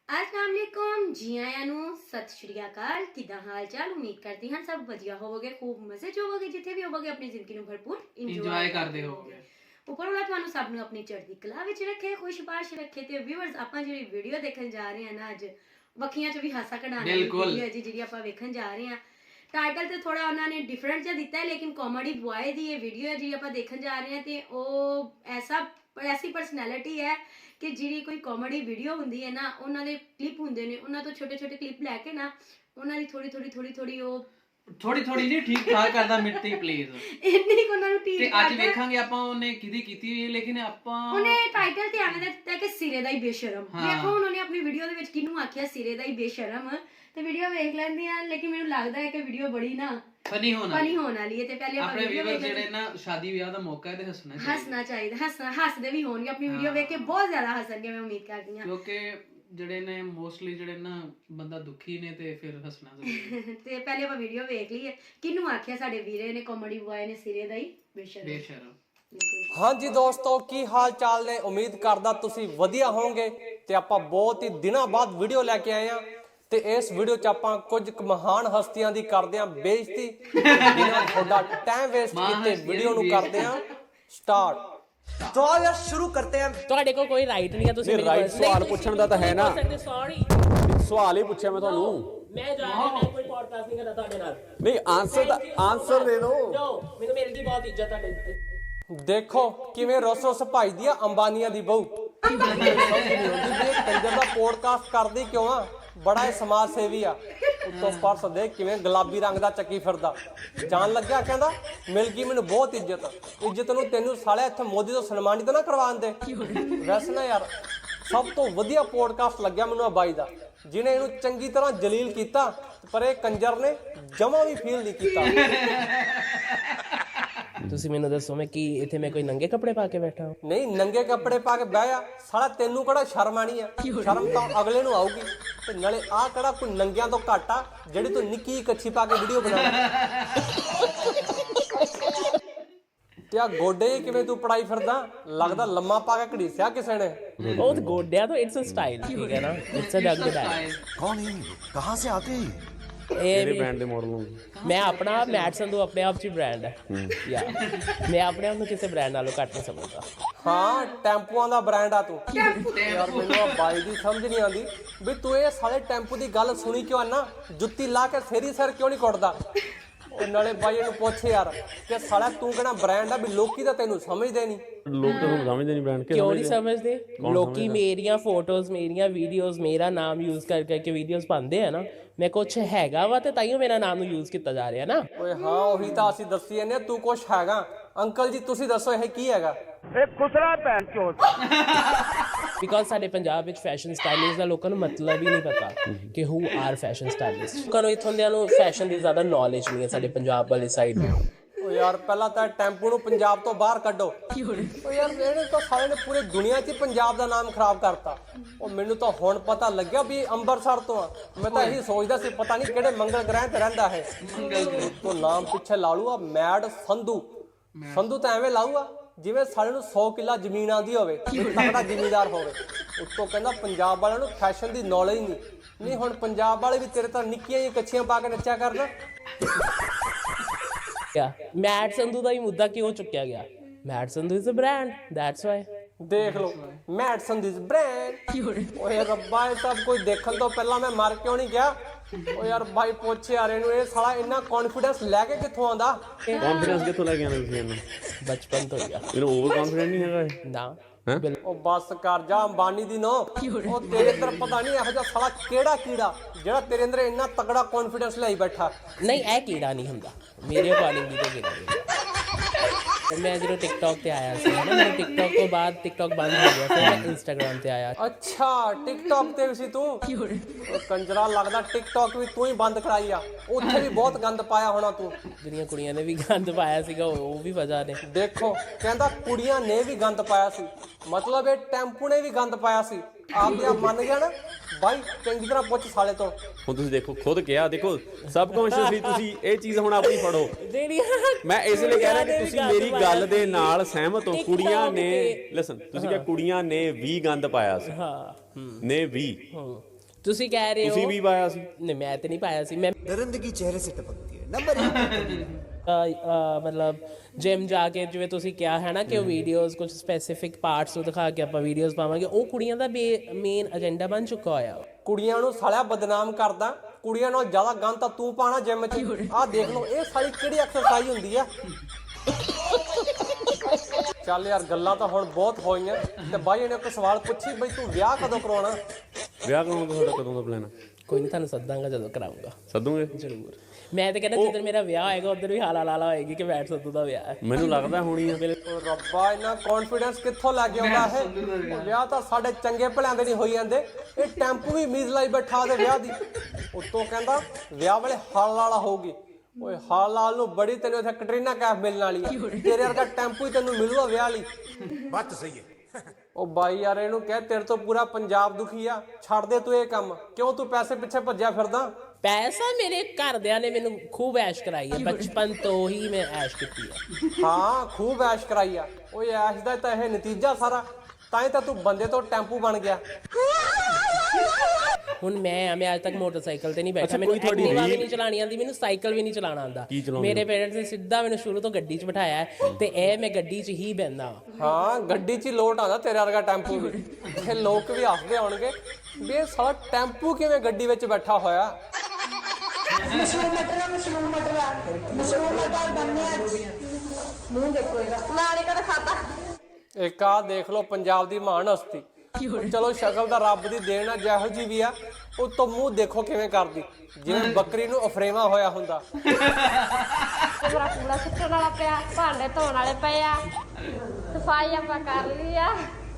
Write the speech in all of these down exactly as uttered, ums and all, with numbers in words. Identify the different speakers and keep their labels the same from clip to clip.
Speaker 1: अस्सलामुअलैकुम जी आया नू सत श्री अकाल किदा हाल चाल उम्मीद करती हैं सब वधिया होवोगे खूब मजे च होवोगे जिथे भी होवोगे अपनी जिंदगी नू भरपूर इंजॉय करदे होवोगे ਉੱਪਰ ਵਾਲਾ ਤੁਹਾਨੂੰ ਸਭ ਨੂੰ ਆਪਣੀ ਚੜ੍ਹਦੀ ਕਲਾ ਵਿੱਚ ਰੱਖੇ ਖੁਸ਼ਬਾਸ਼ ਰੱਖੇ ਤੇ ਵਿਊਅਰਸ ਆਪਾਂ ਜਿਹੜੀ ਵੀਡੀਓ ਦੇਖਣ ਜਾ ਰਹੇ ਹਾਂ ਨਾ ਅੱਜ ਵੱਖੀਆਂ ਚ ਵੀ ਹਾਸਾ ਕਢਾਉਣ ਦੀ ਵੀਡੀਓ ਹੈ ਜੀ ਜਿਹੜੀ ਆਪਾਂ ਵੇਖਣ ਜਾ ਰਹੇ ਹਾਂ ਟਾਈਟਲ ਤੇ ਥੋੜਾ ਉਹਨਾਂ ਨੇ ਡਿਫਰੈਂਟ ਜਿਹਾ ਦਿੱਤਾ ਹੈ ਲੇਕਿਨ ਕਾਮੇਡੀ ਬॉय ਦੀ ਇਹ ਵੀਡੀਓ ਹੈ ਜੀ ਆਪਾਂ ਦੇਖਣ ਜਾ ਰਹੇ ਹਾਂ ਤੇ ਉਹ ਐਸਾ ਐਸੀ ਪਰਸਨੈਲਿਟੀ ਹੈ ਕਿ ਜਿਹੜੀ ਕੋਈ ਕਾਮੇਡੀ ਵੀਡੀਓ ਹੁੰਦੀ ਹੈ ਨਾ ਉਹਨਾਂ ਦੇ ਕਲਿੱਪ ਹੁੰਦੇ ਨੇ ਉਹਨਾਂ ਤੋਂ ਛੋਟੇ ਛੋਟੇ ਕਲਿੱਪ ਲੈ ਕੇ ਨਾ ਉਹਨਾਂ ਦੀ ਥੋੜੀ ਥੋੜੀ ਥੋੜੀ ਥੋੜੀ ਉਹ
Speaker 2: ਥੋੜੀ ਥੋੜੀ ਨਹੀਂ ਠੀਕ ਠਾਕ ਕਰਦਾ ਮਿੱਟੀ ਪਲੀਜ਼
Speaker 1: ਇੰਨੀ ਕੋ ਉਹਨਾਂ ਨੂੰ ਠੀਕ
Speaker 2: ਤੇ ਅੱਜ ਵੇਖਾਂਗੇ ਆਪਾਂ ਉਹਨੇ ਕਿਹਦੀ ਕੀਤੀ ਹੋਈ ਹੈ ਲੇਕਿਨ ਆਪਾਂ
Speaker 1: ਉਹਨੇ ਟਾਈਟਲ ਤੇ ਆਵੇਂ ਦਾ ਦਿੱਤਾ ਕਿ ਸਿਰੇ ਦਾ ਹੀ ਬੇਸ਼ਰਮ ਦੇਖੋ ਉਹਨੇ ਆਪਣੀ ਵੀਡੀਓ ਦੇ ਵਿੱਚ ਕਿਹਨੂੰ ਆਖਿਆ ਸਿਰੇ ਦਾ ਹੀ ਬੇਸ਼ਰਮ ਤੇ ਵੀਡੀਓ ਵੇਖ ਲੈਂਦੇ ਆ ਲੇਕਿਨ ਮੈਨੂੰ ਲੱਗਦਾ ਹੈ ਕਿ ਵੀਡੀਓ ਬੜੀ ਨਾ
Speaker 2: ਫਨੀ ਹੋਣਾ
Speaker 1: ਫਨੀ ਹੋਣ ਵਾਲੀ ਹੈ ਤੇ ਪਹਿਲੇ ਆਪਾਂ
Speaker 2: ਵੀਡੀਓ ਵੇਖ ਜਿਹੜੇ ਨਾ ਸ਼ਾਦੀ ਵਿਆਹ ਦਾ ਮੌਕਾ ਹੈ ਤੇ ਹੱਸਣਾ ਚਾਹੀਦਾ
Speaker 1: ਹੱਸਣਾ ਚਾਹੀਦਾ ਹੱਸਣਾ ਹੱਸਦੇ ਵੀ ਹੋਣਗੇ ਆਪਣੀ ਵੀਡੀਓ ਵੇਖ ਕੇ ਬਹੁਤ ਜ਼ਿਆਦਾ ਹੱਸਣਗੇ ਮੈਂ ਉਮੀਦ ਕਰਦੀ ਹਾਂ
Speaker 2: ਕਿਉਂਕਿ ਜਿਹੜੇ ਨੇ ਮੋਸਟਲੀ ਜਿਹੜੇ ਨਾ ਬੰਦਾ ਦੁਖੀ ਨੇ ਤੇ ਫਿਰ ਹੱਸਣਾ ਜ਼ਰੂਰੀ
Speaker 1: ਤੇ ਪਹਿਲੇ ਆਪਾਂ ਵੀਡੀਓ ਵੇਖ ਲਈਏ ਕਿਹਨੂੰ ਆਖਿਆ ਸਾਡੇ ਵੀਰੇ ਨੇ ਕਾਮੇਡੀ ਬॉय ਨੇ ਸਿਰੇ ਦਾ ਹੀ ਬੇਸ਼ਰਮ
Speaker 2: ਬੇਸ਼ਰਮ
Speaker 3: ਹਾਂਜੀ ਦੋਸਤੋ ਕੀ ਹਾਲ ਚਾਲ ਨੇ ਉਮੀਦ ਕਰਦਾ ਤੁਸੀਂ ਵਧੀਆ ਹੋਵੋਗੇ ਤੇ ਆਪਾਂ ਬਹੁਤ ਹੀ ਦਿਨਾਂ ਬਾਅਦ ਵੀਡੀਓ ਲੈ ਕੇ ਆਏ ਆ ਤੇ ਇਸ ਵੀਡੀਓ 'ਚ ਆਪਾਂ ਕੁਝ ਮਹਾਨ ਹਸਤੀਆਂ ਦੀ ਕਰਦੇ ਆ ਬੇਇੱਜ਼ਤੀ ਬਿਨਾਂ ਤੁਹਾਡਾ ਟਾਈਮ ਵੇਸਟ ਕੀਤੇ ਵੀਡੀਓ ਨੂੰ ਕਰਦੇ ਆ ਸਟਾਰਟ
Speaker 4: तो यार शुरू करते हैं
Speaker 5: ਤੁਹਾਡੇ ਕੋਲ ਕੋਈ ਰਾਈਟ ਨਹੀਂ ਹੈ ਤੁਸੀਂ
Speaker 6: ਨਹੀਂ ਰਾਈਟ ਸਵਾਲ ਪੁੱਛਣ ਦਾ ਤਾਂ ਹੈ ਨਾ
Speaker 5: ਸੌਰੀ
Speaker 6: ਸਵਾਲ ਹੀ ਪੁੱਛਿਆ ਮੈਂ ਤੁਹਾਨੂੰ
Speaker 5: ਮੈਂ ਜਾ ਰਿਹਾ ਮੈਂ ਕੋਈ ਪੋਡਕਾਸਟ ਨਹੀਂ ਕਰਦਾ ਤੁਹਾਡੇ ਨਾਲ
Speaker 6: ਨਹੀਂ ਆਨਸਰ ਦਾ ਆਨਸਰ ਦੇ ਦਿਓ
Speaker 5: ਜੋ ਮੈਨੂੰ ਮੇਰੀ ਦੀ ਬਹੁਤ ਇੱਜ਼ਤ ਤੁਹਾਡੇ ਉੱਤੇ
Speaker 3: ਦੇਖੋ ਕਿਵੇਂ ਰੁੱਸ ਰੁੱਸ ਭਜਦੀ ਆ ਅੰਬਾਨੀਆਂ ਦੀ ਬਹੂ ਕੰਜਰ ਦਾ ਪੋਡਕਾਸਟ ਕਰਦੀ ਕਿਉਂ ਆ ਬੜਾ ਇਹ ਸਮਾਜ ਸੇਵੀ ਆ ਉੱਤੋਂ ਪਰਸ ਦੇ ਕਿਵੇਂ ਗੁਲਾਬੀ ਰੰਗ ਦਾ ਚੱਕੀ ਫਿਰਦਾ ਜਾਣ ਲੱਗਿਆ ਕਹਿੰਦਾ ਮਿਲ ਗਈ ਮੈਨੂੰ ਬਹੁਤ ਇੱਜ਼ਤ ਇੱਜ਼ਤ ਨੂੰ ਤੈਨੂੰ ਸਾਲਿਆ ਇੱਥੇ ਮੋਦੀ ਤੋਂ ਸਨਮਾਨਿਤ ਨਾ ਕਰਵਾਉਣ ਦੇ ਵੈਸੇ ਨਾ ਯਾਰ ਸਭ ਤੋਂ ਵਧੀਆ ਪੋਡਕਾਸਟ ਲੱਗਿਆ ਮੈਨੂੰ ਆ ਬਾਈ ਦਾ ਜਿਹਨੇ ਇਹਨੂੰ ਚੰਗੀ ਤਰ੍ਹਾਂ ਜਲੀਲ ਕੀਤਾ ਪਰ ਇਹ ਕੰਜਰ ਨੇ ਜਮਾ ਵੀ ਫੀਲ ਨਹੀਂ ਕੀਤਾ
Speaker 5: ਤੁਸੀਂ ਮੈਨੂੰ ਦੱਸੋ ਮੈਂ ਕੀ ਇੱਥੇ ਮੈਂ ਕੋਈ ਨੰਗੇ ਕੱਪੜੇ ਪਾ ਕੇ ਬੈਠਾ ਹਾਂ
Speaker 3: ਨਹੀਂ ਨੰਗੇ ਕੱਪੜੇ ਪਾ ਕੇ ਬਹਿ ਜਾ ਸਾਲਾ ਤੈਨੂੰ ਕਿਹੜਾ ਸ਼ਰਮ ਆਣੀ ਆ ਸ਼ਰਮ ਤਾਂ ਅਗਲੇ ਨੂੰ ਆਊਗੀ ਤੇ ਨਾਲੇ ਆਹ ਕਿਹੜਾ ਕੋਈ ਨੰਗਿਆਂ ਤੋਂ ਘੱਟ ਆ ਜਿਹੜੀ ਤੂੰ ਨਿੱਕੀ ਕੱਚੀ ਪਾ ਕੇ ਵੀਡੀਓ ਬਣਾ ਤੇ ਆ ਗੋਡੇ ਕਿਵੇਂ ਤੂੰ ਪੜਾਈ ਫਿਰਦਾ ਲੱਗਦਾ ਲੰਮਾ ਪਾ ਕੇ ਘੜੀਸਿਆ ਕਿਸੇ ਨੇ
Speaker 5: ਉਹ ਤਾਂ ਗੋਡਿਆਂ ਤੋਂ ਇਟਸ ਅ ਸਟਾਈਲ ਠੀਕ ਹੈ ਨਾ ਇਟਸ ਅ ਡੱਗ ਸਟਾਈਲ
Speaker 4: कौन है कहाँ से आते हैं
Speaker 6: ਕਿਹੜੇ ਬ੍ਰਾਂਡ ਦੇ ਮਾਡਲ ਨੂੰ
Speaker 5: ਮੈਂ ਆਪਣਾ ਮੈਟ ਸੰਧੂ ਆਪਣੇ ਆਪ 'ਚ ਹੀ ਬ੍ਰਾਂਡ ਹੈ ਯਾ ਮੈਂ ਆਪਣੇ ਆਪ ਨੂੰ ਕਿਸੇ ਬ੍ਰਾਂਡ ਨਾਲੋਂ ਘੱਟ ਨਹੀਂ ਸਮਝਦਾ
Speaker 3: ਹਾਂ ਟੈਂਪੂਆਂ ਦਾ ਬ੍ਰਾਂਡ ਆ ਤੂੰ ਯਾਰ ਮੈਨੂੰ ਆ ਬਾਈ ਦੀ ਸਮਝ ਨਹੀਂ ਆਉਂਦੀ ਵੀ ਤੂੰ ਇਹ ਸਾਰੇ ਟੈਂਪੂ ਦੀ ਗੱਲ ਸੁਣੀ ਕਿਉਂ ਨਾ ਜੁੱਤੀ ਲਾ ਕੇ ਫੇਰੀ ਸਿਰ ਕਿਉਂ ਨਹੀਂ ਕੁੱਟਦਾ ਉਹ ਨਾਲੇ ਬਾਈ ਨੂੰ ਪੁੱਛ ਯਾਰ ਕਿ ਸਾਲਾ ਤੂੰ ਕਿਹੜਾ ਬ੍ਰਾਂਡ ਆ ਵੀ ਲੋਕੀ ਤਾਂ ਤੈਨੂੰ ਸਮਝਦੇ ਨਹੀਂ
Speaker 6: ਲੋਕ ਤਾਂ ਤੁਹਾਨੂੰ ਸਮਝਦੇ ਨਹੀਂ ਬ੍ਰਾਂਡ
Speaker 5: ਕਿਉਂ ਨਹੀਂ ਸਮਝਦੇ ਲੋਕੀ ਮੇਰੀਆਂ ਫੋਟੋਜ਼ ਮੇਰੀਆਂ ਵੀਡੀਓਜ਼ ਮੇਰਾ ਨਾਮ ਯੂਜ਼ ਕਰ ਕਰਕੇ ਵੀਡੀਓਜ਼ ਪਾਉਂਦੇ ਆ ਨਾ ਮੈਂ ਕੁਛ ਹੈਗਾ ਵਾ ਤੇ ਤਾਈਓ ਮੇਰਾ ਨਾਮ ਨੂੰ ਯੂਜ਼ ਕੀਤਾ ਜਾ ਰਿਹਾ ਨਾ
Speaker 3: ਓਏ ਹਾਂ ਉਹੀ ਤਾਂ ਅਸੀਂ ਦੱਸੀ ਜਾਂਦੇ ਤੂੰ ਕੁਛ ਹੈਗਾ ਅੰਕਲ ਜੀ ਤੁਸੀਂ ਦੱਸੋ ਇਹ ਕੀ ਹੈਗਾ
Speaker 5: ਬਿਕਾਜ਼ ਸਾਡੇ ਪੰਜਾਬ ਵਿੱਚ ਫੈਸ਼ਨ ਸਟਾਈਲਿਸਟ ਦਾ ਲੋਕਾਂ ਨੂੰ ਮਤਲਬ ਹੀ ਨਹੀਂ ਪਤਾ ਕਿ ਹੂ ਆਰ ਫੈਸ਼ਨ ਸਟਾਈਲਿਸਟ ਲੋਕਾਂ ਨੂੰ ਇੱਥੋਂ ਦਿਆਂ ਨੂੰ ਫੈਸ਼ਨ ਦੀ ਜ਼ਿਆਦਾ ਨੌਲੇਜ ਨਹੀਂ ਹੈ ਸਾਡੇ ਪੰਜਾਬ ਵਾਲੀ ਸਾਈਡ ਨੂੰ
Speaker 3: ਓ ਯਾਰ ਪਹਿਲਾਂ ਤਾਂ ਟੈਂਪੂ ਨੂੰ ਪੰਜਾਬ ਤੋਂ ਬਾਹਰ ਕੱਢੋ ਓ ਯਾਰ ਇਹਨੇ ਤਾਂ ਸਾਰੇ ਨੇ ਪੂਰੇ ਦੁਨੀਆ 'ਚ ਪੰਜਾਬ ਦਾ ਨਾਮ ਖਰਾਬ ਕਰਤਾ ਉਹ ਮੈਨੂੰ ਤਾਂ ਹੁਣ ਪਤਾ ਲੱਗਿਆ ਵੀ ਅੰਮ੍ਰਿਤਸਰ ਤੋਂ ਆ ਮੈਂ ਤਾਂ ਇਹੀ ਸੋਚਦਾ ਸੀ ਪਤਾ ਨਹੀਂ ਕਿਹੜੇ ਮੰਗਲ ਗ੍ਰਹਿ ਤੇ ਰਹਿੰਦਾ ਹੈ ਤੋਂ ਨਾਮ ਪਿੱਛੇ ਲਾ ਲੂਆ ਮੈਡ ਸੰਧੂ ਸੰਧੂ ਤਾਂ ਐਵੇਂ ਲਾਊਗਾ ਜਿਵੇਂ ਸਾਡੇ ਨੂੰ ਸੌ ਕਿੱਲਾ ਜ਼ਮੀਨ ਆਉਂਦੀ ਹੋਵੇ ਤਕੜਾ ਜ਼ਿਮੀਂਦਾਰ ਹੋਵੇ ਉੱਤੋਂ ਕਹਿੰਦਾ ਪੰਜਾਬ ਵਾਲਿਆਂ ਨੂੰ ਫੈਸ਼ਨ ਦੀ ਨੌਲੇਜ ਨਹੀਂ ਨਹੀਂ ਹੁਣ ਪੰਜਾਬ ਵਾਲੇ ਵੀ ਤੇਰੇ ਤਾਂ ਨਿੱਕੀਆਂ ਜਿਹੀਆਂ ਕੱਛੀਆਂ ਪਾ ਕੇ ਨੱਚਿਆ ਕਰਨ
Speaker 5: ਮੈਟ ਸੰਧੂ ਦਾ ਹੀ ਮੁੱਦਾ ਕਿਉਂ ਚੁੱਕਿਆ ਗਿਆ Matt Sandhu is a brand that's why
Speaker 3: ਦੇਖ ਲਓ ਮੈਟ ਸੰਧੂ ਇਜ਼ ਬ੍ਰਾਂਡ ਓਏ ਰੱਬਾ ਇਹ ਸਭ ਕੁਝ ਦੇਖਣ ਤੋਂ ਪਹਿਲਾਂ ਮੈਂ ਮਰ ਕਿਉਂ ਨਹੀਂ ਗਿਆ ਓ ਯਾਰ ਬਾਈ ਪੁੱਛ ਯਾਰ ਇਹਨੂੰ ਇਹ ਸਾਲਾ ਇੰਨਾ ਕੌਨਫੀਡੈਂਸ ਲੈ ਕੇ ਕਿੱਥੋਂ ਆਉਂਦਾ
Speaker 6: ਕੌਨਫੀਡੈਂਸ ਕਿੱਥੋਂ ਲੈ ਕੇ ਆਉਂਦੇ ਤੁਸੀਂ ਇਹਨੂੰ
Speaker 5: ਬਚਪਨ ਤੋਂ ਹੀ ਆ
Speaker 6: ਇਹਨੂੰ ਓਵਰ ਕੌਨਫੀਡੈਂਟ ਨਹੀਂ ਹੈਗਾ ਇਹ
Speaker 5: ਨਾ
Speaker 3: ਉਹ ਬੱਸ ਕਰ ਜਾ ਅੰਬਾਨੀ ਦੀ ਨੋ ਉਹ ਤੇਰੇ ਅੰਦਰ ਪਤਾ ਨਹੀਂ ਇਹੋ ਜਿਹਾ ਸਾਲਾ ਕਿਹੜਾ ਕੀੜਾ ਜਿਹੜਾ ਤੇਰੇ ਅੰਦਰ ਇੰਨਾ ਤਗੜਾ ਕੌਨਫੀਡੈਂਸ ਲਈ ਬੈਠਾ
Speaker 5: ਨਹੀਂ ਇਹ ਕੀੜਾ ਨਹੀਂ ਹੁੰਦਾ ਮੇਰੇ ਅਕੋਰਡਿੰਗ ਵੀ ਤਾਂ ਕੀੜਾ ਨਹੀਂ ਮੈਂ ਜਦੋਂ ਟਿਕਟੌਕ ਤੇ ਆਇਆ ਸੀ ਨਾ ਮੈਂ ਟਿਕਟੌਕ ਤੋਂ ਬਾਅਦ ਟਿਕਟੌਕ ਬੰਦ ਹੋ ਗਿਆ ਫਿਰ ਮੈਂ ਇੰਸਟਾਗ੍ਰਾਮ ਤੇ ਆਇਆ
Speaker 3: ਅੱਛਾ ਟਿਕਟੌਕ ਤੇ ਵੀ ਸੀ ਤੂੰ ਉਹ ਕੰਜਰਾ ਲੱਗਦਾ ਟਿਕਟੌਕ ਵੀ ਤੂੰ ਹੀ ਬੰਦ ਕਰਾਈ ਆ ਉੱਥੇ ਵੀ ਬਹੁਤ ਗੰਦ ਪਾਇਆ ਹੋਣਾ ਤੂੰ
Speaker 5: ਜਿਹੜੀਆਂ ਕੁੜੀਆਂ ਨੇ ਵੀ ਗੰਦ ਪਾਇਆ ਸੀਗਾ ਉਹ ਵੀ ਵਜ੍ਹਾ ਨੇ
Speaker 3: ਦੇਖੋ ਕਹਿੰਦਾ ਕੁੜੀਆਂ ਨੇ ਵੀ ਗੰਦ ਪਾਇਆ ਸੀ ਮਤਲਬ ਇਹ ਟੈਂਪੂ ਨੇ ਵੀ ਗੰਦ ਪਾਇਆ ਸੀ ਆਪ ਆਪ ਮੰਨ ਗਿਆ ਨਾ ਬਾਈ ਚੰਗੀ ਤਰ੍ਹਾਂ ਪੁੱਛ ਸਾਲੇ ਤੋਂ
Speaker 6: ਹੁਣ ਤੁਸੀਂ ਦੇਖੋ ਖੁਦ ਕਿਹਾ ਦੇਖੋ ਸਬ ਕੌਨਸ਼ੀਅਸਲੀ ਤੁਸੀਂ ਇਹ ਚੀਜ਼ ਹੁਣ ਆਪਣੀ ਫੜੋ ਮੈਂ ਇਸ ਲਈ ਕਹਿ ਰਿਹਾ ਕਿ ਤੁਸੀਂ ਮੇਰੀ ਗੱਲ ਦੇ ਨਾਲ ਸਹਿਮਤ ਹੋ ਕੁੜੀਆਂ ਨੇ ਲਿਸਨ ਤੁਸੀਂ ਕਿਹਾ ਕੁੜੀਆਂ ਨੇ ਵੀ ਗੰਦ ਪਾਇਆ ਸੀ
Speaker 5: ਹਾਂ
Speaker 6: ਨੇ ਵੀ
Speaker 5: ਤੁਸੀਂ ਕਹਿ ਰਹੇ ਹੋ
Speaker 6: ਤੁਸੀਂ ਵੀ ਪਾਇਆ ਸੀ
Speaker 5: ਨਹੀਂ ਮੈਂ ਤੇ ਨਹੀਂ ਪਾਇਆ ਸੀ ਮੈਂ
Speaker 4: दरिंदगी चेहरे से टपकती है नंबर एक
Speaker 5: ਅ, ਅ, ਮਤਲਬ ਜਿਮ ਜਾ ਕੇ ਜਿਵੇਂ ਤੁਸੀਂ ਕਿਹਾ ਹੈ ਨਾ ਕਿ ਉਹ ਵੀਡੀਓਜ਼ ਕੁਝ ਸਪੈਸੀਫਿਕ ਪਾਰਟਸ ਨੂੰ ਦਿਖਾ ਕੇ ਆਪਾਂ ਵੀਡੀਓਜ਼ ਪਾਵਾਂਗੇ ਉਹ ਕੁੜੀਆਂ ਦਾ ਮੇਨ ਏਜੰਡਾ ਬਣ ਚੁੱਕਾ ਹੋਇਆ
Speaker 3: ਕੁੜੀਆਂ ਨੂੰ ਸਾਲਿਆ ਬਦਨਾਮ ਕਰਦਾ ਕੁੜੀਆਂ ਨਾਲ ਜ਼ਿਆਦਾ ਗੰਦ ਤਾਂ ਤੂੰ ਪਾਣਾ ਜਿਮ 'ਚ ਆਹ ਦੇਖ ਲਓ ਇਹ ਸਾਲੀ ਕਿਹੜੀ ਐਕਸਰਸਾਈਜ਼ ਹੁੰਦੀ ਆ ਚੱਲ ਯਾਰ ਗੱਲਾਂ ਤਾਂ ਹੁਣ ਬਹੁਤ ਹੋਈਆਂ ਤੇ ਬਾਈ ਇਹਨੇ ਇੱਕ ਸਵਾਲ ਪੁੱਛੀ ਬਈ ਤੂੰ ਵਿਆਹ ਕਦੋਂ ਕਰਾਉਣਾ
Speaker 6: ਵਿਆਹ ਕਰਾਉਣ ਦਾ ਤੁਹਾਡਾ ਕਦੋਂ ਦਾ ਪਲਾਨ ਆ
Speaker 5: ਕੋਈ ਨਹੀਂ ਤੁਹਾਨੂੰ ਸੱਦਾਂਗਾ ਜਦੋਂ ਕਰਾਉਂਗਾ
Speaker 6: ਸੱਦੂਗੇ
Speaker 5: ਜ਼ਰੂਰ ਮੈਂ ਤਾਂ ਕਹਿੰਦਾ ਜਦੋਂ ਮੇਰਾ ਵਿਆਹ ਹੋਏਗਾ ਉਧਰ ਵੀ ਹਾਲਾ ਲਾਲਾ ਹੋਏਗੀ ਕਿ ਬੈਠ ਸੱਦੂ ਦਾ ਵਿਆਹ ਹੈ
Speaker 6: ਮੈਨੂੰ ਲੱਗਦਾ ਹੋਣੀ ਆ
Speaker 3: ਓ ਰੱਬਾ ਇੰਨਾ ਕੌਨਫੀਡੈਂਸ ਕਿੱਥੋਂ ਲੱਗ ਗਿਆ ਹੁੰਦਾ ਇਹ ਉਹ ਵਿਆਹ ਤਾਂ ਸਾਡੇ ਚੰਗੇ ਭਲਿਆਂ ਦੇ ਨਹੀਂ ਹੋਈ ਜਾਂਦੇ ਇਹ ਟੈਂਪੂ ਵੀ ਉਮੀਦ ਲਾਈ ਬੈਠਾ ਦੇ ਵਿਆਹ ਦੀ ਉੱਤੋਂ ਕਹਿੰਦਾ ਵਿਆਹ ਵੇਲੇ ਹਾਲ ਲਾਲਾ ਹੋਊਗੀ ਓਏ ਹਾਲ ਲਾਲ ਨੂੰ ਬੜੀ ਤੈਨੂੰ ਇੱਥੇ ਕਟਰੀਨਾ ਕੈਫ ਮਿਲਣ ਵਾਲੀ ਆ ਤੇਰੇ ਵਰਗਾ ਟੈਂਪੂ ਹੀ ਤੈਨੂੰ ਮਿਲੂਗਾ ਵਿਆਹ ਲਈ
Speaker 4: बात तो सही है
Speaker 3: ਉਹ ਬਾਈ ਯਾਰ ਇਹਨੂੰ ਕਹਿ ਤੇਰੇ ਤੋਂ ਪੂਰਾ ਪੰਜਾਬ ਦੁਖੀ ਆ ਛੱਡ ਦੇ ਤੂੰ ਇਹ ਕੰਮ ਕਿਉਂ ਤੂੰ ਪੈਸੇ ਪਿੱਛੇ ਭੱਜਿਆ ਫਿਰਦਾ
Speaker 5: ਪੈਸਾ ਮੇਰੇ ਘਰਦਿਆਂ ਨੇ ਮੈਨੂੰ ਖੂਬ ਐਸ਼ ਕਰਾਈ ਹੈ ਬਚਪਨ ਤੋਂ ਹੀ ਮੈਂ ਐਸ਼ ਕੀਤੀ ਹੈ
Speaker 3: ਹਾਂ ਖੂਬ ਐਸ਼ ਕਰਾਈ ਆ ਓਏ ਐਸ਼ ਦਾ ਤਾਂ ਇਹ ਨਤੀਜਾ ਸਾਰਾ ਤਾਂ ਹੀ ਤਾਂ ਤੂੰ ਬੰਦੇ ਤੋਂ ਟੈਂਪੂ ਬਣ ਗਿਆ
Speaker 5: ਹੁਣ ਮੈਂ ਮੈਂ ਅੱਜ ਤੱਕ ਮੋਟਰਸਾਈਕਲ ਤੇ ਨਹੀਂ ਬੈਠਾ ਮੈਨੂੰ ਐਕਟਿਵਾ ਵੀ ਨਹੀਂ ਚਲਾਣੀ ਆਉਂਦੀ ਮੈਨੂੰ ਸਾਈਕਲ ਵੀ ਨਹੀਂ ਚਲਾਣਾ ਆਉਂਦਾ ਮੇਰੇ ਪੇਰੈਂਟਸ ਨੇ ਸਿੱਧਾ ਮੈਨੂੰ ਸ਼ੁਰੂ ਤੋਂ ਗੱਡੀ 'ਚ ਬਿਠਾਇਆ ਤੇ ਇਹ ਮੈਂ ਗੱਡੀ 'ਚ ਹੀ ਬਹਿੰਦਾ
Speaker 3: ਹਾਂ ਗੱਡੀ 'ਚ ਹੀ ਲੋਟ ਆਉਂਦਾ ਤੇਰੇ ਵਰਗਾ ਟੈਂਪੂ ਵੀ ਇਹ ਲੋਕ ਵੀ ਹੱਸਦੇ ਆਉਣਗੇ ਵੀ ਇਹ ਸਾਲਾ ਟੈਂਪੂ ਕਿਵੇਂ ਗੱਡੀ ਵਿੱਚ ਬੈਠਾ ਹੋਇਆ
Speaker 7: ਮਸ਼ਰੂਮ ਮਟਰ ਮਸ਼ਰੂਮ ਮਟਰ ਮਸ਼ਰੂਮ ਮਟਰ ਬੰਨੇ ਮੂੰਹ ਦੇਖੋ ਇਹਦਾ ਨਾਲੇ ਕਦ ਖਾਤਾ
Speaker 3: ਇੱਕ ਆ ਦੇਖ ਲਓ ਪੰਜਾਬ ਦੀ ਮਹਾਨ ਹਸਤੀ ਚਲੋ ਸ਼ਕਲ ਤਾਂ ਰੱਬ ਦੀ ਦੇਣ ਆ ਜਿਹੋ ਜੀ ਵੀ ਆ ਉਹ ਤੋਂ ਮੂੰਹ ਦੇਖੋ ਕਿਵੇਂ ਕਰਦੀ ਜਿਵੇਂ ਬੱਕਰੀ ਨੂੰ ਅਫਰੇਵਾ ਹੋਇਆ ਹੁੰਦਾ
Speaker 7: ਮੇਰਾ ਕੂੜਾ ਸੁੱਟਣ ਵਾਲਾ ਪਿਆ ਭਾਂਡੇ ਧੋਣ ਵਾਲੇ ਪਏ ਆ ਸਫਾਈ ਆਪਾਂ ਕਰ ਲਈ ਆ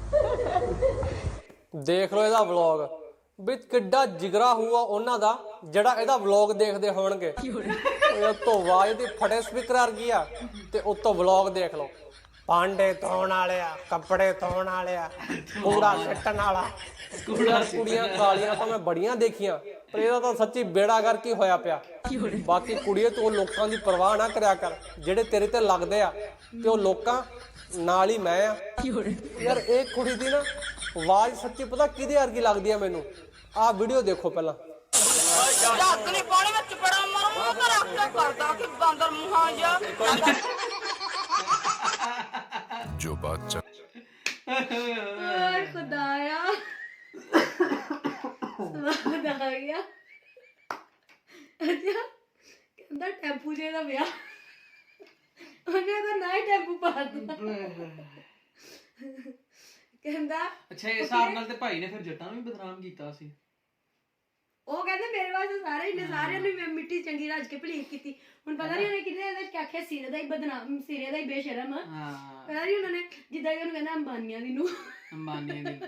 Speaker 3: ਦੇਖ ਲਓ ਇਹਦਾ ਵਲੌਗ ਵੀ ਕਿੱਡਾ ਜਿਗਰਾ ਹੋਊਗਾ ਉਹਨਾਂ ਦਾ ਜਿਹੜਾ ਇਹਦਾ ਵਲੌਗ ਦੇਖਦੇ ਹੋਣਗੇ ਇਹ ਤੋਂ ਆਵਾਜ਼ ਦੀ ਫੜੇ ਸਪੀਕਰ ਵਰਗੀ ਆ ਤੇ ਉੱਤੋਂ ਵਲੌਗ ਦੇਖ ਲਓ ਭਾਂਡੇ ਧੋਣ ਵਾਲਿਆ ਕੱਪੜੇ ਧੋਣ ਵਾਲਿਆ ਕੂੜਾ ਸਿੱਟਣ ਵਾਲਾ ਕੁੜੀਆਂ ਕੁੜੀਆਂ ਕਾਲੀਆਂ ਤਾਂ ਮੈਂ ਬੜੀਆਂ ਦੇਖੀਆਂ ਪਰ ਇਹਦਾ ਤਾਂ ਸੱਚੀ ਬੇੜਾ ਕਰ ਕੀ ਹੋਇਆ ਪਿਆ ਬਾਕੀ ਕੁੜੀਏ ਤੂੰ ਲੋਕਾਂ ਦੀ ਪਰਵਾਹ ਨਾ ਕਰਿਆ ਕਰ ਜਿਹੜੇ ਤੇਰੇ ਤੇ ਲੱਗਦੇ ਆ ਤੇ ਉਹ ਲੋਕਾਂ ਨਾਲ ਹੀ ਮੈਂ ਆ ਯਾਰ ਇਹ ਕੁੜੀ ਦੀ ਨਾ ਆਵਾਜ਼ ਸੱਚੀ ਪਤਾ ਕਿਹਦੇ ਵਰਗੀ ਲੱਗਦੀ ਆ ਮੈਨੂੰ ਆਹ ਵੀਡੀਓ ਦੇਖੋ ਪਹਿਲਾਂ
Speaker 8: ਜੱਗ ਨਹੀਂ ਪਾਣੀ ਵਿੱਚ ਬੜਾ ਮਰ ਮੂੰਹ ਤੇ ਰੱਖ ਕੇ ਕਰਦਾ ਕਿ ਬਾਂਦਰ ਮੂੰਹਾਂ ਜਿਹਾ
Speaker 4: जो बात चल
Speaker 1: ਓਏ ਖੁਦਾਇਆ ਸਵਾਦ ਆ ਗਿਆ ਅੱਛਾ ਕਹਿੰਦਾ ਟੈਂਪੂ ਜੇ ਦਾ ਵਿਆਹ ਉਹਨੇ ਤਾਂ ਨਾ ਹੀ ਟੈਂਪੂ ਪਾ ਦਿੱਤਾ ਕਹਿੰਦਾ
Speaker 2: ਅੱਛਾ ਇਸ ਹਿਸਾਬ ਨਾਲ ਤੇ ਭਾਈ ਨੇ ਫਿਰ ਜੱਟਾਂ ਨੂੰ ਵੀ ਬਦਨਾਮ ਕੀਤਾ ਸੀ
Speaker 1: ਉਹ ਕਹਿੰਦੇ ਮੇਰੇ ਵਾਸਤੇ ਸਾਰੇ ਨੇ ਸਾਰਿਆਂ ਨੂੰ ਮੈਂ ਮਿੱਟੀ ਚੰਗੀ ਰਾਜ ਕੇ ਭਲੀਕ ਕੀਤੀ ਹੁਣ ਪਤਾ ਨਹੀਂ ਉਹਨੇ ਕਿਹਦੇ ਇਹਦੇ ਚ ਆਖਿਆ ਸਿਰੇ ਦਾ ਹੀ ਬਦਨਾਮ ਸਿਰੇ ਦਾ ਹੀ ਬੇਸ਼ਰਮ ਆ
Speaker 2: ਹਾਂ
Speaker 1: ਪਤਾ ਨਹੀਂ ਉਹਨਾਂ ਨੇ ਜਿੱਦਾਂ ਕਿ ਉਹਨੂੰ ਕਹਿੰਦਾ ਅੰਬਾਨੀਆਂ ਦੀ ਨੂੰ
Speaker 2: ਅੰਬਾਨੀ ਦੀ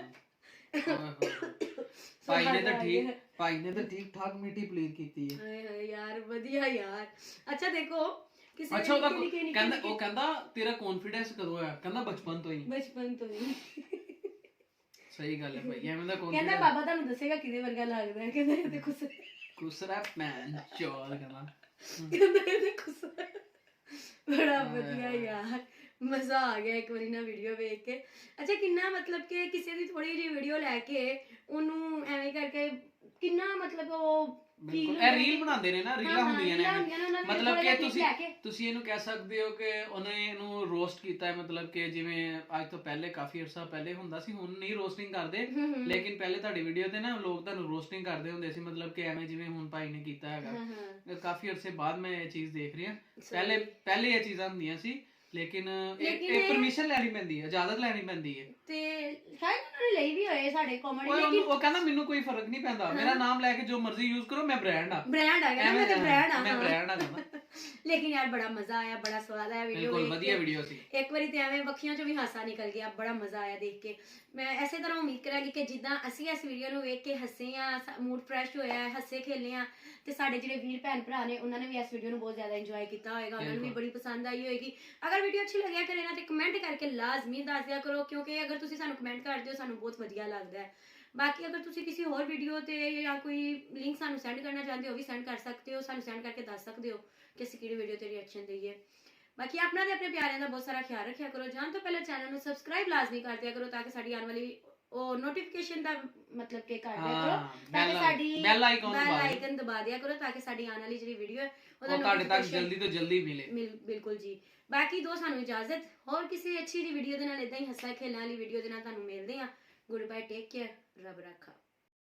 Speaker 2: ਭਾਈ ਨੇ ਤਾਂ ਠੀਕ ਭਾਈ ਨੇ ਤਾਂ ਠੀਕ ਠਾਕ ਮਿੱਟੀ ਪਲੀਟ ਕੀਤੀ ਹੈ
Speaker 1: ਹਾਏ ਹਾਏ ਯਾਰ ਵਧੀਆ ਯਾਰ ਅੱਛਾ ਦੇਖੋ ਕਿਸੇ
Speaker 2: ਅੱਛਾ ਉਹਦਾ ਕਹਿੰਦਾ ਉਹ ਕਹਿੰਦਾ ਤੇਰਾ ਕੌਨਫੀਡੈਂਸ ਕਦੋਂ ਆਇਆ ਕਹਿੰਦਾ ਬਚਪਨ ਤੋਂ ਹੀ
Speaker 1: ਬਚਪਨ ਤੋਂ ਹੀ
Speaker 2: ਸਹੀ ਗੱਲ ਹੈ ਭਾਈ ਐਵੇਂ ਦਾ
Speaker 1: ਕਹਿੰਦਾ
Speaker 2: ਕੌਨਫੀਡੈਂਸ
Speaker 1: ਬਾਬਾ ਤੁਹਾਨੂੰ ਦੱਸੇਗਾ ਕਿਹਦੇ ਵਰਗਾ ਲੱਗਦਾ ਹੈ ਕਹਿੰਦਾ ਇਹਦੇ ਖੁਸਰਾ
Speaker 2: ਕੁਸਰਾ ਮੈਨ ਚੋਲ ਕਹਿੰਦਾ
Speaker 1: ਕਹਿੰਦਾ ਇਹਦੇ ਖੁਸਰਾ ਬੜਾ ਵਧੀਆ ਯਾਰ ਮਜ਼ਾ ਆ ਗਿਆ ਇੱਕ ਵਾਰੀ ਨਾ ਵੀਡੀਓ ਵੇਖ ਕੇ ਅੱਛਾ ਕਿੰਨਾ ਮਤਲਬ ਕਿ ਕਿਸੇ ਦੀ ਥੋੜੀ ਜਿਹੀ ਵੀਡੀਓ ਲੈ ਕੇ ਉਹਨੂੰ ਐਵੇਂ ਕਰਕੇ ਕਿੰਨਾ ਮਤਲਬ ਉਹ
Speaker 2: ਬਿਲਕੁਲ ਇਹ ਰੀਲ ਬਣਾਉਂਦੇ ਨੇ ਨਾ ਰੀਲਾਂ ਹੁੰਦੀਆਂ ਨੇ ਮਤਲਬ ਕਿ ਤੁਸੀਂ ਤੁਸੀਂ ਇਹਨੂੰ ਕਹਿ ਸਕਦੇ ਹੋ ਕਿ ਉਹਨੇ ਇਹਨੂੰ ਰੋਸਟ ਕੀਤਾ ਹੈ ਮਤਲਬ ਕਿ ਜਿਵੇਂ ਅੱਜ ਤੋਂ ਪਹਿਲੇ ਕਾਫੀ ਅਰਸਾ ਪਹਿਲੇ ਹੁੰਦਾ ਸੀ ਹੁਣ ਨਹੀਂ ਰੋਸਟਿੰਗ ਕਰਦੇ ਲੇਕਿਨ ਪਹਿਲੇ ਤੁਹਾਡੀ ਵੀਡੀਓ ਤੇ ਨਾ ਲੋਕ ਤੁਹਾਨੂੰ ਰੋਸਟਿੰਗ ਕਰਦੇ ਹੁੰਦੇ ਸੀ ਮਤਲਬ ਕਿ ਐਵੇਂ ਜਿਵੇਂ ਹੁਣ ਭਾਈ ਨੇ ਕੀਤਾ ਹੈਗਾ ਕਾਫੀ ਅਰਸੇ ਬਾਅਦ ਮੈਂ ਇਹ ਚੀਜ਼ ਦੇਖ ਰਹੀ ਹਾਂ ਪਹਿਲੇ ਪਹਿਲੇ ਇਹ ਚੀਜ਼ਾਂ ਹੁੰਦੀਆਂ ਸੀ ਲੇਕਿਨ ਇਹ ਪਰਮਿਸ਼ਨ ਲੈਣੀ ਪੈਂਦੀ ਹੈ ਇਜਾਜ਼ਤ ਲੈਣੀ ਪੈਂਦੀ ਹੈ
Speaker 1: ਤੇ ਸ਼ਾਇਦ ਉਹਨਾਂ ਨੇ ਲਈ ਵੀ ਹੋਏ ਸਾਡੇ ਕਾਮੇਡੀ
Speaker 2: ਲੇਕਿਨ ਉਹ ਕਹਿੰਦਾ ਮੈਨੂੰ ਕੋਈ ਫਰਕ ਨਹੀਂ ਪੈਂਦਾ ਮੇਰਾ ਨਾਮ ਲੈ ਕੇ ਜੋ ਮਰਜ਼ੀ ਯੂਜ਼ ਕਰੋ ਮੈਂ ਬ੍ਰਾਂਡ ਆ
Speaker 1: ਬ੍ਰਾਂਡ ਆ ਗਿਆ ਮੈਂ ਤੇ ਬ੍ਰਾਂਡ ਆ
Speaker 2: ਮੈਂ ਬ੍ਰਾਂਡ ਆ ਕਹਿੰਦਾ
Speaker 1: ਲੇਕਿਨ ਯਾਰ ਬੜਾ ਮਜ਼ਾ ਆਇਆ ਬੜਾ ਸਵਾਦ ਆਇਆ ਵੀਡੀਓ
Speaker 2: ਬਿਲਕੁਲ ਵਧੀਆ ਵੀਡੀਓ ਸੀ
Speaker 1: ਇੱਕ ਵਾਰੀ ਤੇ ਐਵੇਂ ਅੱਖੀਆਂ ਚੋਂ ਵੀ ਹਾਸਾ ਨਿਕਲ ਗਿਆ ਬੜਾ ਮਜ਼ਾ ਆਇਆ ਦੇਖ ਕੇ ਮੈਂ ਐਸੇ ਤਰ੍ਹਾਂ ਉਮੀਦ ਕਰਾਂਗੀ ਕਿ ਜਿੱਦਾਂ ਅਸੀਂ ਇਸ ਵੀਡੀਓ ਨੂੰ ਵੇਖ ਕੇ ਹੱਸੇ ਆ ਮੂਡ ਫਰੈਸ਼ ਹੋਇਆ ਹੱਸੇ ਖੇਲੇ ਆ ਤੇ ਸਾਡੇ ਜਿਹੜੇ ਵੀਰ ਭੈਣ ਭਰਾ ਨੇ ਉਹਨਾਂ ਨੇ ਵੀ ਇਸ ਵੀਡੀਓ ਨੂੰ ਬਹੁਤ ਜ਼ਿਆਦਾ ਇੰਜੋਏ ਕੀਤਾ ਹੋਏਗਾ ਉਹਨਾਂ ਨੂੰ ਵੀ ਬੜੀ ਪਸੰਦ ਆਈ ਹੋਏਗੀ ਅਗਰ ਵੀਡੀਓ ਅੱਛੀ ਲੱਗਿਆ ਕਰੇ ਨਾ ਤੇ ਕਮੈਂਟ ਕਰਕੇ ਲਾਜ਼ਮੀ ਦੱਸ ਦਿਆ ਕਰੋ ਕਿਉਂਕਿ ਅਗਰ ਤੁਸੀਂ ਸਾਨੂੰ ਕਮੈਂਟ ਕਰਦੇ ਹੋ ਸਾਨੂੰ ਬਹੁਤ ਵਧੀਆ ਲੱਗਦਾ ਹੈ ਬਾਕੀ ਅਗਰ ਤੁਸੀਂ ਕਿਸੇ ਹੋਰ ਵੀਡੀਓ ਤੇ ਜਾਂ ਕੋਈ ਲਿੰਕ ਸਾਨੂੰ ਸੈਂਡ ਕਰਨਾ ਚਾਹੁੰਦੇ ਹੋ ਵੀ ਸੈਂਡ ਕਰ ਸਕਦੇ ਹੋ ਸਾਨੂੰ ਸੈਂਡ ਕਰਕੇ ਦੱਸ ਸਕਦੇ ਹੋ ਕਿ ਅਸੀਂ ਕਿਹੜੀ ਵੀਡੀਓ ਤੇ ਰਿਐਕਸ਼ਨ ਦਈਏ ਬਾਕੀ ਆਪਣਾ ਤੇ ਆਪਣੇ ਪਿਆਰਿਆਂ ਦਾ ਬਹੁਤ ਸਾਰਾ ਖਿਆਲ ਰੱਖਿਆ ਕਰੋ ਜਾਣ ਤੋਂ ਪਹਿਲਾਂ ਚੈਨਲ ਨੂੰ ਸਬਸਕ੍ਰਾਈਬ ਲਾਜ਼ਮੀ ਕਰ ਦਿਆ ਕਰੋ ਤਾਂ ਕਿ ਸਾਡੀ ਆਉਣ ਵਾਲੀ ਉਹ ਨੋਟੀਫਿਕੇਸ਼ਨ ਦਾ ਮਤਲਬ ਕਿ ਕਰ ਦਿਆ
Speaker 2: ਹਾਂ,
Speaker 1: ਕਰੋ ਤਾਂ ਕਿ
Speaker 2: bell-
Speaker 1: ਸਾਡੀ
Speaker 2: bell icon
Speaker 1: bell
Speaker 2: ਦਬਾ ਦਿਓ।
Speaker 1: icon ਦਬਾ ਦਿਆ ਕਰੋ ਤਾਂ ਕਿ ਸਾਡੀ ਆਉਣ ਵਾਲੀ ਜਿਹੜੀ ਵੀਡੀਓ ਹੈ
Speaker 2: ਉਹ ਤੁਹਾਡੇ ਤੱਕ
Speaker 1: notification
Speaker 2: ਜਲਦੀ ਤੋਂ ਜਲਦੀ ਮਿਲੇ।
Speaker 1: ਮਿਲ- ਬਿਲਕੁਲ ਜੀ। ਬਾਕੀ ਦੋ ਸਾਨੂੰ ਇਜਾਜ਼ਤ, ਹੋਰ ਕਿਸੇ ਅੱਛੀ ਜੀ ਵੀਡੀਓ ਦੇ ਨਾਲ ਇਦਾਂ ਹੀ ਹੱਸਾ ਖੇਲਣ ਵਾਲੀ ਵੀਡੀਓ ਦੇ ਨਾਲ ਤੁਹਾਨੂੰ ਮਿਲਦੇ ਹਾਂ। ਗੁੱਡ ਬਾਏ, ਟੇਕ ਕੇਅਰ, ਰੱਬ ਰੱਖਾ।